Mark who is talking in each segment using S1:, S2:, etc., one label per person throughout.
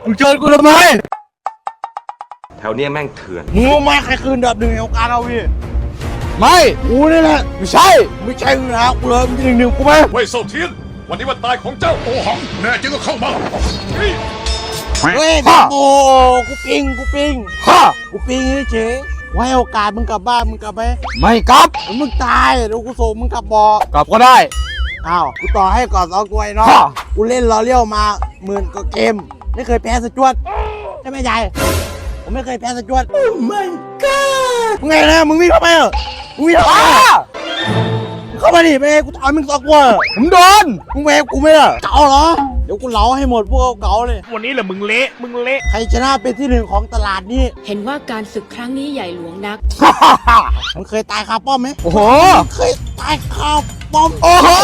S1: มึงเชิญกูทำไม
S2: แถวเนี้ยแม่งเถื่อน
S1: มึงรู้ไหมใครคืนดับหนึ่งของการเอาพี่ไม่กูนี่แหละไม่ใช่มึงนะกูเลยมึงจะหนึ่งกูไหม
S3: เว่ยเซาเทียนวันนี้วันตายของเจ้าโอหังแน่จริงก็เข้ามา
S1: เฮ้ยโอ้กูปิงกูปิงเฉยไว้โอกาสมึงกลับบ้านมึงกลับไหมไม่กลับมึงตายเดี๋ยวกูส่งมึงกลับบอกกลับก็ได้อ้าวกูต่อให้ก่อน2 ตัวเนาะกูเล่นล้อเลี้ยวมา10,000 กว่าเกมไม่เคยแพ้สจวดใช่ไหมยายผมไม่เคยแพ้สจวดโอ้ my god มึงไงนะมึงวิ่งเข้าไปเหรอมึงวิ่งเข้าไปเข้ามาดิไปกูถามมึง2 ตัวผมโดนมึงแหวกกูไม่ล่ะเก่าเหรอเดี๋ยวกูเล้าให้หมดพวกเก่าเลย
S3: วันนี้แหละมึงเละ
S1: ใครชนะเป็นที่1ของตลาดนี้
S4: เห็นว่าการศึกครั้งนี้ใหญ่หลวงนัก
S1: มึงเคยตายคาป้อมไหม
S5: โอ้โห
S1: เคยตายคาป้อม
S5: โอ้โห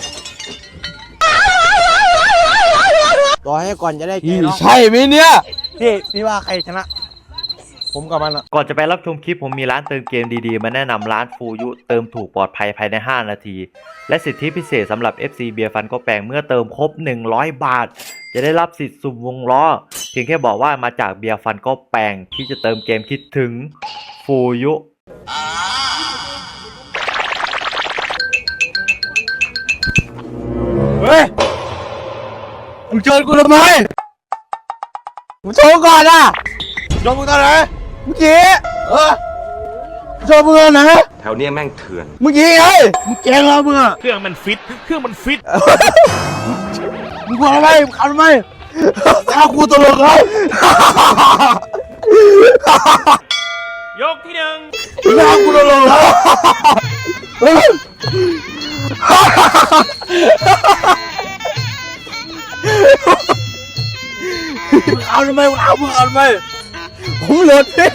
S1: ต่อให้ก่อนจะได้เกม
S5: ใช่ไหมเนี่ย
S1: พี่ว่าใครชนะผมกับมันอะ
S6: ก่อนจะไปรับชมคลิปผมมีร้านเติมเกมดีๆมาแนะนำร้านฟูยุเติมถูกปลอดภัยภายใน5 นาทีและสิทธิพิเศษสำหรับ FC เบียร์ฟันก็แปลงเมื่อเติมครบ100 บาทจะได้รับสิทธิ์สุ่มวงล้อเพียงแค่บอกว่ามาจากเบียร์ฟันก็แปลงที่จะเติมเกมคิดถึงฟูยุ
S1: เฮ้ยมึงเชิญกูทำไมมึงโชว์ก่อนอ่ะโชว์มึงตอนไหนเมื่อกี้โชว์มึงตอนไหน
S2: แถวเนี้ยแม่งเถื่อน
S1: เมื่อกี้ไงมึงแกงเรามึงอ่ะ
S3: เครื่องมันฟิต
S1: มึงกลัวทำไมมึงขับทำไมถ้ากูตลกครับ
S3: ยกที่1
S1: ถ้ากูตลกครับมึงเอาทำไมมึงเอาทำไมผมหลุดพี่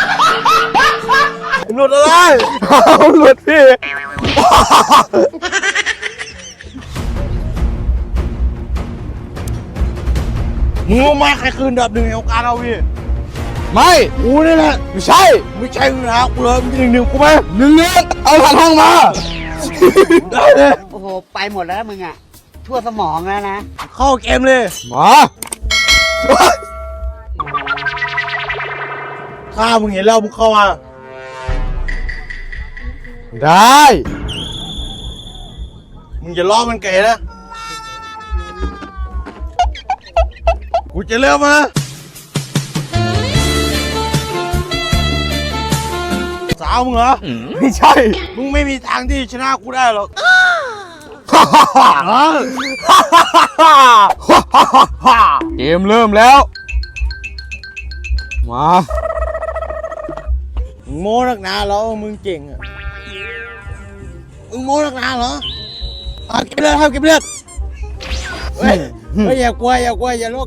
S1: หลุดอะไรผมหลุดพี่มึงรู้ไหมใครคืนดับหนึ่งของการเอาพี่ไม่กูนี่แหละไม่ใช่มึงนะกูเลยมึงจะหนึ่งกูไหมหนึ่งเอาผ่านห้องมาได้เลย
S7: โอ้โหไปหมดแล้วมึงอ่ะทั่วสมองแล้วนะ
S1: เข้าเกมเลยมาถ้ามึงเห็นแล้วมึงเข้ามาได้มึงจะล้อมันเก๋นะกูจะเริ่มมาสาวมึงเหรอไม่ใช่มึงไม่มีทางที่ชนะกูได้หรอกเกมเริ่มแล้วมามึงโม้นักหนาเหรอมึงเก่งอ่ะมึงโม้นักหนาเหรอเก็บเลือดเก็บเลือดเฮ้ยอย่ากลัวอย่าโลก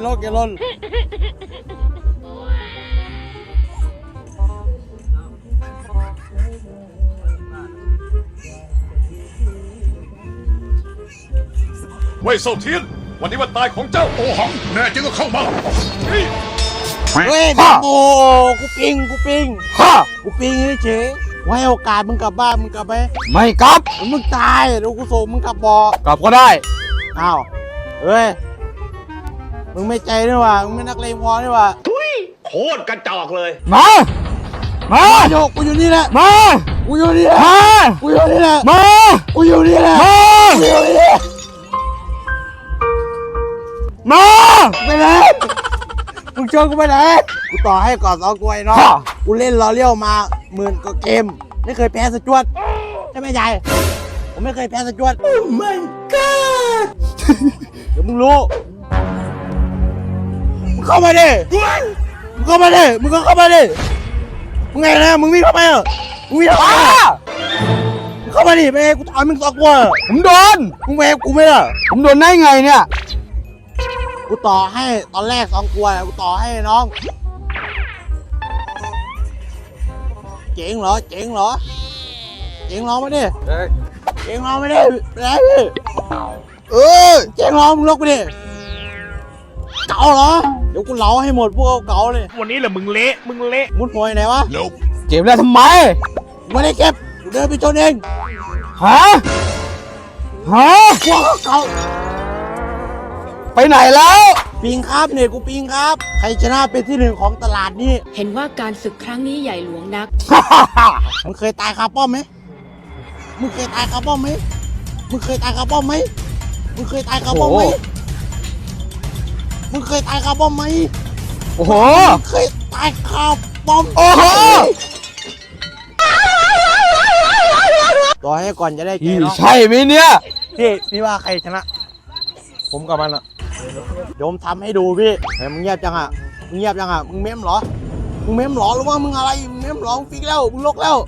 S3: เว่ยเซาเทียนวันนี้วันตายของเจ้าโอหังแน่จริงก็เข้ามา
S1: เฮ้ยโอ้กูปิงเฉยไว้โอกาสมึงกลับบ้านมึงกลับไหมไม่กลับมึงตายเดี๋ยวกูส่งมึงกลับบอกกลับก็ได้อ้าวเฮ้ยมึงไม่ใจด้วยว่ะมึงไม่นักเลงพอด้วยว่ะ
S3: โคตรกระจอกเลย
S1: มาโยกกูอยู่นี่แหละกูอยู่นี่แหละกูอยู่นี่แหละกูอยู่นี่แหละไปไหนมึงชวนกูไปไหนกูต่อให้ก่อน2 ตัวเนาะกูเล่นล้อเลี้ยวมา10,000 กว่าเกมไม่เคยแพ้สจวดใช่ไหมยายผมไม่เคยแพ้สจวดโอ้ my god เดี๋ยวมึงรู้มึงเข้ามาดิมึงก็เข้ามาดิมึงไงนะมึงวิ่งเข้าไปเหรอมึงวิ่งเข้าไปมึงเข้ามาดิไปกูถามมึง2 ตัวผมโดนมึงแหวกกูไม่ล่ะผมโดนได้ไงเนี่ยกูต่อให้ตอนแรก2 ตัวกูต่อให้น้องเจ๋งเหรอมาดิเจ๋งเหรอไม่ได้ไปไหนพี่เจ๋งเหรอมึงลกไปดิเก่าเหรอเดี๋ยวกูเล้าให้หมดพวกเก่าเลย
S3: วันนี้แหละมึงเละ
S1: มุดหอยไหนวะ
S5: เก็บแล้วทำไม
S1: ไม่ได้เก็บกูเดินไปชนเอง
S5: ฮะ
S1: พวกเก่า
S5: ไปไหนแล้ว
S1: พี่ปิงครับเนี่ยกูปิงครับใครชนะเป็นที่หนึ่งของตลาดนี้
S4: เห็นว่าการศึกครั้งนี้ใหญ่หลวงนัก
S1: มึงเคยตายคาป้อมไหมมึงเคยตายคาป้อมไหมมึงเคยตายคาป้อมไหมมึงเคยตายคาป้อมไหมมึงเคยตายคาป้อมไหม
S5: โอ้โห
S1: มึงเคยตายคาป้อม
S5: โอ้โห
S1: ต่อให้ก่อนจะได้แก
S5: พี่
S1: เนาะ
S5: ใช่ไหมเนี่ย
S1: พี่ว่าใครชนะ ผมกับมันอะเดี๋ยวผมทำให้ดูพี่เฮ้ยมึงเงียบจังอะมึงเงียบจังอะมึงเม้มเหรอมึงเม้มเหรอหรือว่ามึงอะไรมึงเม้มเหรอมึงฟิกแล้วมึงลกแล้ว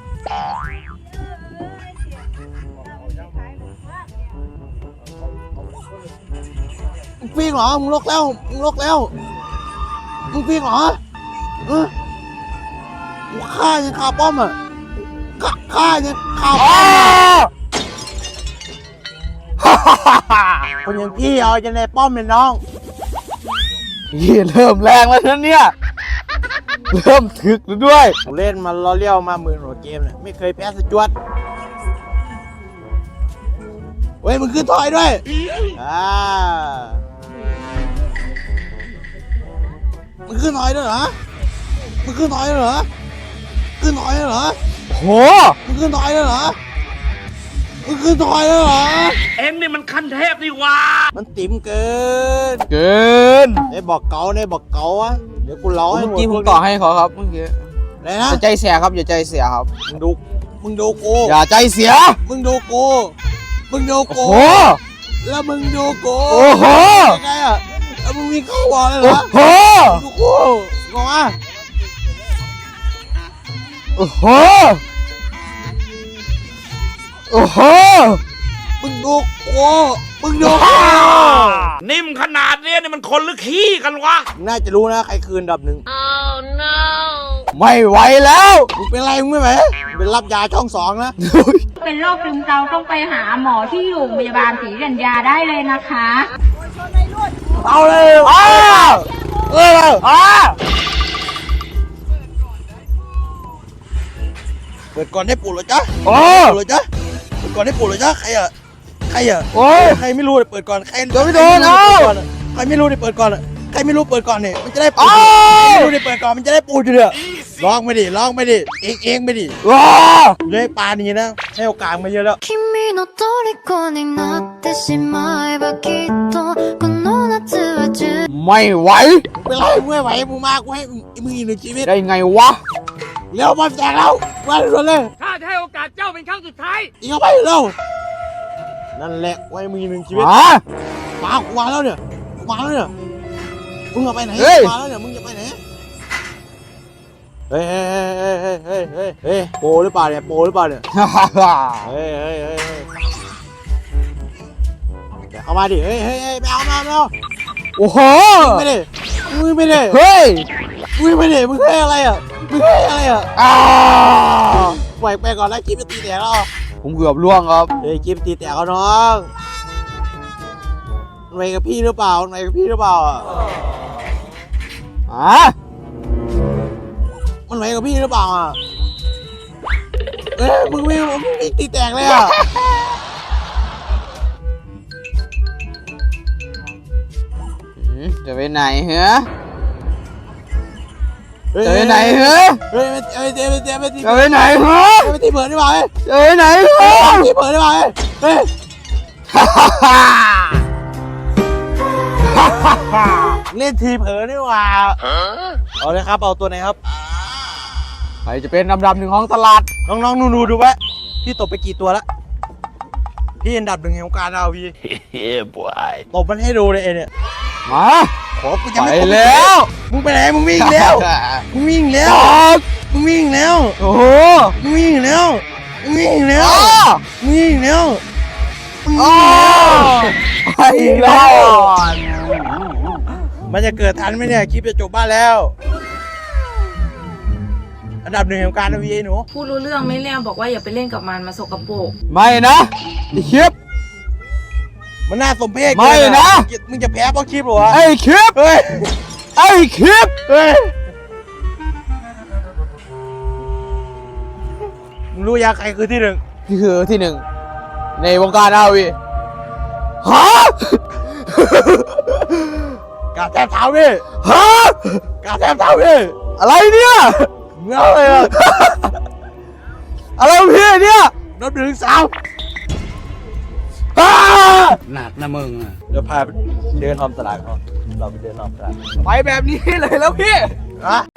S1: มึงฟิกเหรอมึงลกแล้วมึงลกแล้วมึงฟิกเหรอกูฆ่ายังคาป้อมอะฆ่ายังคาป้อมอะคนอย่างพี่เอาจะในป้อมเป็นน้อง
S5: พี่เริ่มแรงแล้วนะเนี่ย เริ่มถึกแล้วด้วย
S1: ผมเล่นมาล้อเลี้ยวมาหมื่นกว่าเกมเนี่ยไม่เคยแพ้สจวตเฮ้ยมึงขึ้นถอยด้วยมึงขึ้นถอยด้วยเหรอมึงขึ้นถอยด้วยเหรอขึ้นถอยด้วยเหรอ
S5: โห
S1: มึงขึ้นถอยด้วยเหรอมึงขึ้นถอยด้วยเหรอ
S8: เอ็งนี่มันขั้นเทพนี่ว่า
S1: มันติ๋มเกิน
S5: เกิน
S1: ไอ้บอกเก๋าไอ้บอกเก๋าอะเดี๋ยวกูเล่าให้
S5: เมื่อ
S1: หมด
S5: กี้ผมต่อให้เขาครับเมื่อกี้
S1: อะไรนะ
S5: อย่าใจเสียครับอย่าใจเสียครับ
S1: มึงดูกู
S5: อย่าใจเสีย
S1: มึงดูกูมึงดู
S5: โอ้
S1: กู
S5: โห
S1: แล้วมึงดูกู
S5: โอ้โห
S1: ยังไงอะแล้วมึงมีเข้าบอลเลยเหร
S5: โอ้
S1: อ
S5: โห
S1: ดูกูงงอ่ะ
S5: โอ้โห โอ้โห
S1: มึงดูกูมึงดูกู
S8: นิ่มขนาดเนี้ยนี่มันคนหรือขี้กันวะ
S1: มึงน่าจะรู้นะใครคืนอันดับหนึ่ง
S5: ไม่ไหวแล้ว
S1: มึงเป็นไรมึงไม่ไหวมึงเป็นรับยาช่องสองนะ
S9: เป็นโรคซึมเศร้าต้องไปหาหมอที่โรงพยาบาลศรีกัญญาได้เลยนะคะ
S1: เอาเลยเปิดก่อนให้ปู่เหรอจ๊ะ
S5: โอ้
S1: ปู่เหรอจ๊ะเปิดก่อนให้ปู่เหรอจ๊ะใครอะใครอะ
S5: โอ้ย
S1: ใครไม่รู้เนี่ยเปิดก่อนใคร
S5: เดี๋ยวไม่โดนเอา
S1: ใครไม่รู้เนี่ยเปิดก่อนอะใครไม่รู้เปิดก่อนเนี่ยมันจะได้ปู
S5: เอา
S1: ใครไม่รู้เนี่ยเปิดก่อนมันจะได้ปูอยู่เด้อลองไม่ดิเองไม่ดิ
S5: ว้า
S1: เลยปานี้นะให้โอกาสมาเยอะแล้ว
S10: 君の虜になってしまえばきっとこの夏は充
S5: ไม่ไหว
S1: เป็นไรมึงไม่ไหวมึงมากูให้มึงอีกหนึ่งชีวิต
S5: ได้ไงวะ
S1: เร็วมาแจกแล้วมาด่วนเลย
S8: ข้าจะให้โอกาสเจ้าเป็นครั้งสุดท้าย
S1: อีกเข้าไปเร็วนั่นแหละไว้มึงอีกหนึ่งชีวิต
S5: ฮะ
S1: กูมาแล้วเนี่ยกูมาแล้วเนี่ยมึงจะไปไหน
S5: เฮ้ย
S1: กูมาแล้วเนี่ยมึงจะไปไหนเฮ้ยโปหรือเปล่าเนี่ยโปหรือเปล่าเนี่ย เฮ้ยเดี๋ยวเข้ามาดิ เฮ้ยไม่เอา
S5: โอ้โห
S1: ไม่ได้มึงไม่ได้
S5: เฮ้ย
S1: มึงไม่ได้มึงให้อะไรอ่ะมึงให้อะไรอ่ะ
S5: อ้าว
S1: ปล่อยไปก่อนแล้วจิ๊บจะตีแตกแล้ว
S5: ผมเกือบล่วงครับ
S1: เฮ้ยจิ๊บตีแตกแล้วน้องมันไปกับพี่หรือเปล่ามันไปกับพี่หรือเปล่าอ่ะ
S5: อ่ะ
S1: มันไปกับพี่หรือเปล่าอ่ะเอ้ยมึงไม่ตีแตกเลยอ่ะ
S5: จะไปไหนเหรอ
S1: เฮ้ย
S5: จะไปไหนเหรอ
S1: เฮ้ยไม่ตี
S5: จะไปไหนเหรอ
S1: ไม่ตีเปิดได้ป่ะเฮ้ย
S5: จะไปไหนเหรอ
S1: ตีเปิดได้ป่ะเฮ้ยเล่นทีเผลอนี่หว่าเอาเลยครับเอาตัวไหนครับ
S5: ใครจะเป็นอันดับหนึ่งของตลาด
S1: น้องๆนูดูไว้พี่ตบไปกี่ตัวละพี่อันดับหนึ่งแห่งวงการเราพี่ตบมันให้ดูเลยไอ้เนี่ย
S5: มา
S1: ขอกูจะ
S5: ไป
S1: ไม่ตบ
S5: แล้ว
S1: มึงไปไหนมึงวิ่งแล้วมึงวิ่งแล้ว
S5: ครับ
S1: มึงวิ่งแล้ว
S5: โอ้โห
S1: มึงวิ่งแล้วมึงวิ่งแล้ว
S5: อ้า
S1: มึงวิ่งแล้วมึง
S5: อ้า
S1: วิ่งแล้ว
S5: ไปอีกแล้ว
S1: มันจะเกิดทันไหมเนี่ยคลิปจะจบบ้านแล้ว อันดับหนึ่งแห่งการนะพี่หนู
S9: พูดรู้เรื่องไม่เรื่องบอกว่าอย่าไปเล่นกับมันมาสกปรก
S5: ไม่นะไอ้คลิป
S1: มันน่าสมเพช
S5: ไม่นะ
S1: มึงจะแพ้เพราะคลิปเหรอวะ
S5: ไอ้คลิป
S1: เฮ้ย
S5: ไอ้คลิป
S1: เฮ้ยมึงรู้ยังใครคือที่หนึ่ง
S5: นี่คือที่หนึ่งในวงการอาวีฮะ
S1: กาแทบเท้าพี่
S5: ฮะ
S1: กาแทบเท้าพี่
S5: อะไรเนี่ย
S1: เงาเลยอะ
S5: อะไรของพี่เนี่ย
S1: นับหนึ่งสาม
S5: อ้า
S7: หนักนะมึงอะ
S1: เดี๋ยวพาไปเดินออมตลาดเขาเราไปเดินออมตลาด
S5: ไปแบบนี้เลยแล้วพี่
S1: อะ